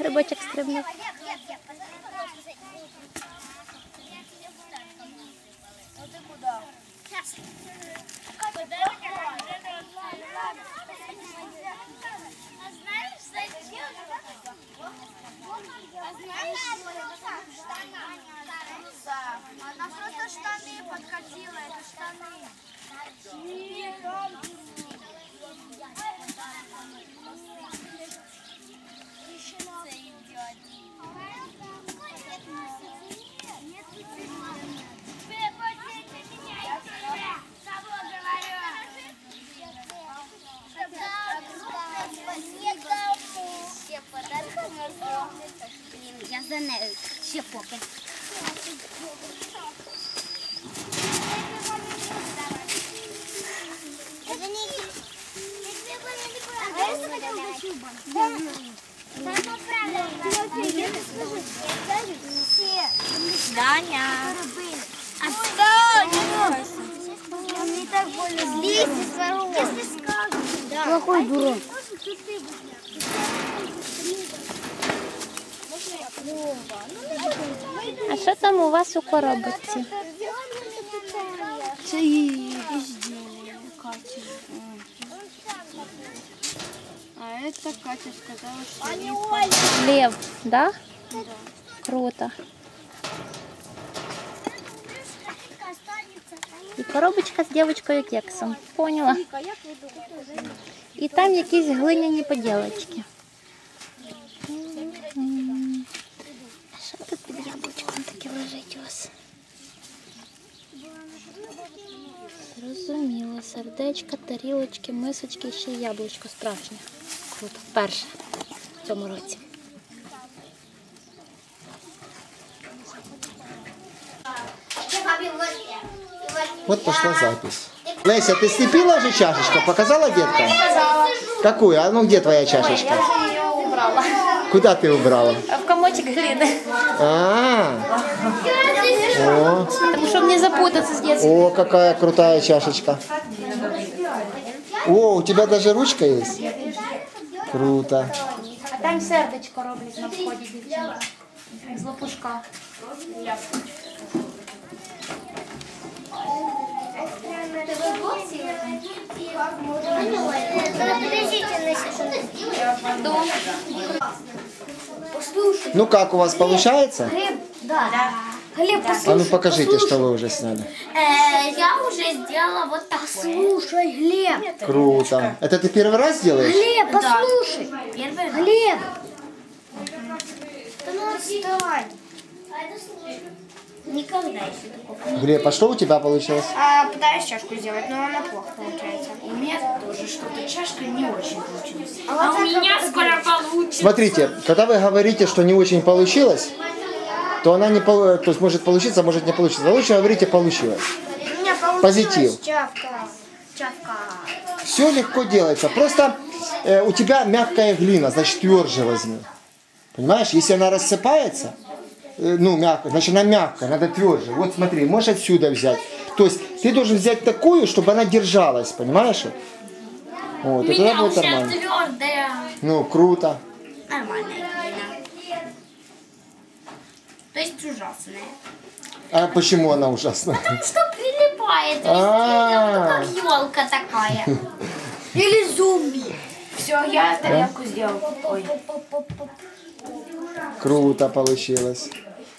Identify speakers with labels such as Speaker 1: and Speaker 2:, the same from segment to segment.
Speaker 1: грибочок стрибнув.
Speaker 2: Она просто штаны подкатила, это штаны.
Speaker 3: Я за нею ще поки.
Speaker 2: Даня.
Speaker 3: Отстань!
Speaker 2: Мне так больно. Слизь из ворот. Если скажу.
Speaker 3: Плохой дурак.
Speaker 1: А що там у вас у коробочці?
Speaker 3: Це її изделие, Катя. А это Катя сказала, что
Speaker 1: Лев, да? Круто. І коробочка з дівчинкою кексом. Поняла? І там якісь глиняні поділочки. Що тут під яблучком таке лежить у вас? Зрозуміло. Сердечка, тарілочки, мисочки і ще й яблучко справжнє. Круто. Вперше в цьому році.
Speaker 4: Вот пошла запись. Леся, ты слепила же чашечку? Показала деткам? Какую? А ну где твоя чашечка?
Speaker 1: Я ее убрала.
Speaker 4: Куда ты убрала?
Speaker 1: В комочек глины.
Speaker 4: О,
Speaker 1: Потому что мне запутаться с детства.
Speaker 4: о, какая крутая чашечка. О, у тебя даже ручка есть? Круто.
Speaker 1: А там сердечко роблять на вході, дівчинка. З лопушка.
Speaker 4: Ну как, у вас получается?
Speaker 2: Да. Глеб,
Speaker 4: А ну покажите, что вы уже сняли.
Speaker 2: я уже сделала вот так. Послушай, Глеб.
Speaker 4: Круто. Это ты первый раз делаешь?
Speaker 2: Глеб, послушай. Первый Глеб. Да ну отстань. Никогда еще такого.
Speaker 4: Глеб, а что у тебя получилось?
Speaker 2: Пытаюсь чашку сделать, но она плохо получается.
Speaker 5: У меня тоже что-то чашка не очень получилась.
Speaker 2: А
Speaker 5: у меня скоро получится.
Speaker 4: Смотрите, когда вы говорите, что не очень получилось, то она не то есть может получиться, может не получиться. Вы лучше говорите получилось.
Speaker 2: У меня получилась
Speaker 4: Позитив.
Speaker 2: чавка.
Speaker 4: Все легко делается. Просто у тебя мягкая глина, значит тверже возьми. Понимаешь, если она рассыпается, ну мягкая, значит она мягкая, надо тверже. Вот смотри, можешь отсюда взять. То есть ты должен взять такую, чтобы она держалась, понимаешь? Вот, и тогда будет нормально.
Speaker 2: Твердая.
Speaker 4: Ну, круто.
Speaker 2: Нормальная глина. То есть ужасная.
Speaker 4: А почему она ужасна?
Speaker 2: Что прилипает везде,
Speaker 4: А.
Speaker 2: как елка такая. Или зомби.
Speaker 5: Все, я тарелку сделал. Ой.
Speaker 4: Круто получилось.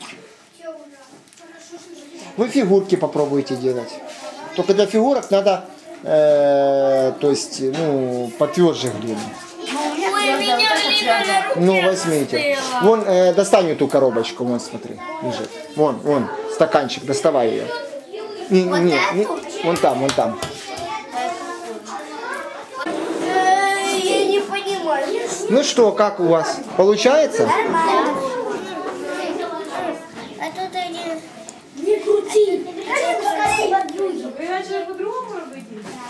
Speaker 4: Вы фигурки попробуйте делать. Только для фигурок надо, то есть, ну, потверже глину.
Speaker 2: Ой, меня глина.
Speaker 4: Ну, возьмите. Вон, достань эту коробочку, вон, смотри, лежит. Вон, стаканчик, доставай ее. Не, вон там, вон там.
Speaker 2: Я не понимаю.
Speaker 4: Ну что, как у вас? Получается?
Speaker 2: А тут они... Не крути.
Speaker 5: Вы начали по-другому робити?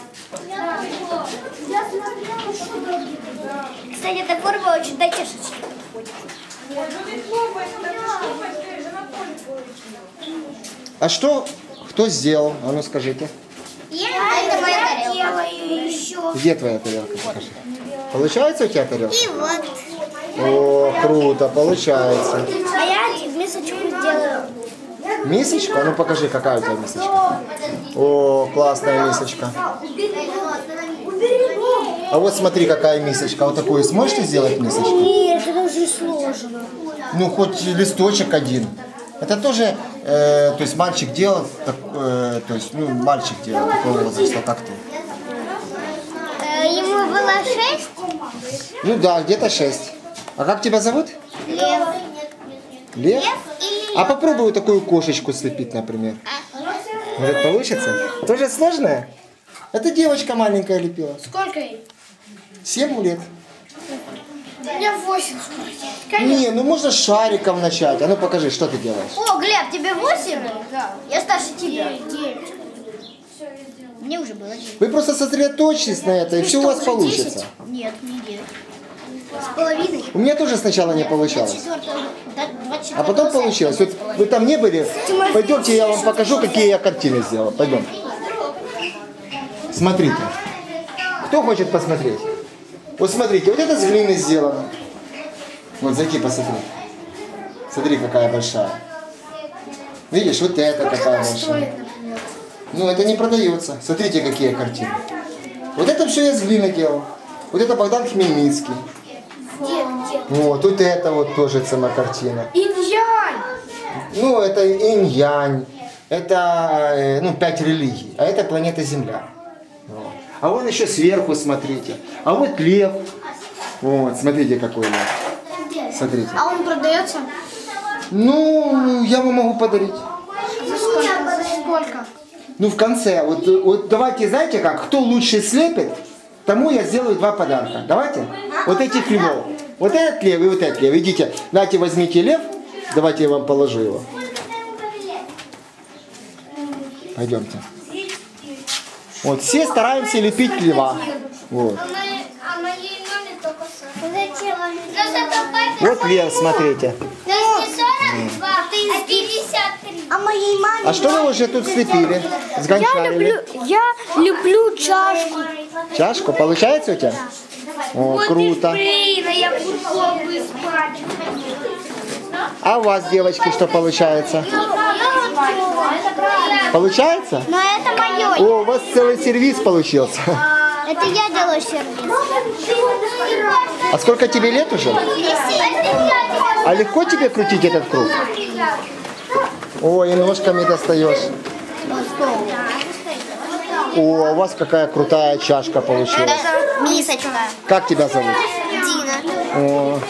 Speaker 2: Я смотрела, что другие. Кстати, эта форма очень до чашечки подходит.
Speaker 5: Ну не хлопай, так хлопай, ты же на поле получила.
Speaker 4: А что, кто сделал? А ну скажите.
Speaker 2: Это моя тарелка. Делаю еще.
Speaker 4: Где твоя тарелка? Покажи. Получается у тебя тарелка?
Speaker 2: И вот.
Speaker 4: О, круто, получается.
Speaker 2: А я мисочку сделаю.
Speaker 4: Мисочку? А ну покажи, какая у тебя мисочка. О, классная мисочка. А вот смотри, какая мисочка. Вот такую сможешь ты сделать мисочку?
Speaker 2: Нет, это уже сложно.
Speaker 4: Ну, хоть листочек один. Это тоже, то есть мальчик делал, то есть, ну, мальчик делал такого возраста, как ты.
Speaker 2: Ему было 6.
Speaker 4: Ну да, где-то 6. А как тебя зовут?
Speaker 2: Лев.
Speaker 4: Лев? А попробуй вот такую кошечку слепить, например. Может, получится? Тоже сложное? Это девочка маленькая лепила.
Speaker 2: Сколько ей?
Speaker 4: 7 лет.
Speaker 2: У меня 8 скоро.
Speaker 4: Не, ну можно с шариком начать. А ну покажи, что ты делаешь.
Speaker 2: О, Глеб, тебе 8? Да. Я старше тебя. 9. Мне уже было 9.
Speaker 4: Вы просто сосредоточьтесь на это, и все у вас получится.
Speaker 2: Нет, не 9. С половиной.
Speaker 4: У меня тоже сначала не получалось.
Speaker 2: 24.
Speaker 4: А потом получилось. Вот вы там не были? Пойдемте, я вам покажу, какие я картины сделал. Пойдем. Смотрите. Кто хочет посмотреть? Вот смотрите, вот это с глины сделано. Вот зайди посмотри. Смотри, какая большая. Видишь, вот это какая большая. Ну, это не продается. Смотрите, какие картины. Вот это все я с глины делал. Вот это Богдан Хмельницкий. Вот это вот тоже цена картина.
Speaker 2: Инь-янь.
Speaker 4: Ну, это инь-янь, это, ну, 5 религий, а это планета Земля. Вот. А вон еще сверху, смотрите. А вот лев. Вот, смотрите, какой лев. Смотрите.
Speaker 2: А он продается?
Speaker 4: Ну, я вам могу подарить.
Speaker 2: За сколько? За сколько?
Speaker 4: Ну, в конце. Вот давайте, знаете как, кто лучше слепит, тому я сделаю 2 подарка. Давайте? Вот этих львов. Вот этот лев и вот этот лев. Идите, давайте возьмите лев. Давайте я вам положу его. Пойдемте. Вот, все стараемся лепить льва. Вот.
Speaker 2: А моей маме только 40.
Speaker 4: Вот лев, смотрите.
Speaker 2: Ты не 42, ты 53. А моей маме...
Speaker 4: А что вы уже тут слепили? Сгончарили?
Speaker 2: Я люблю чашку.
Speaker 4: Чашку? Получается у тебя? О, круто.
Speaker 2: Я футбол бы спать.
Speaker 4: А у вас, девочки, что получается? Получается?
Speaker 2: Но это мое.
Speaker 4: О, у вас целый сервиз получился.
Speaker 2: Это я делаю сервис.
Speaker 4: А сколько тебе лет уже? А легко тебе крутить этот круг? Ой, и ножками достаешь. О, у вас какая крутая чашка получилась.
Speaker 2: Мисочка.
Speaker 4: Как тебя зовут?
Speaker 2: Дина.
Speaker 4: О,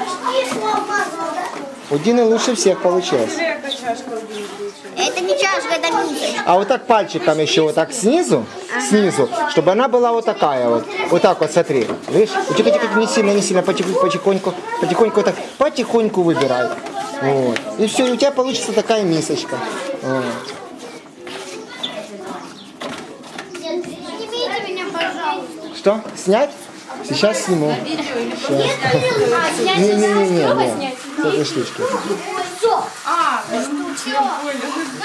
Speaker 4: у Дины лучше всех получилось.
Speaker 2: Это не чашка, это мисочка.
Speaker 4: А вот так пальчиком еще вот так снизу, чтобы она была вот такая вот. Вот так вот, смотри. Видишь? Тихо-тихо, не сильно, потихоньку вот так, потихоньку выбирай. Вот. И все, и у тебя получится такая мисочка. Вот.
Speaker 2: Снимите меня, пожалуйста.
Speaker 4: Что? Снять? Сейчас сниму. Не. С этой штучки.
Speaker 2: Все.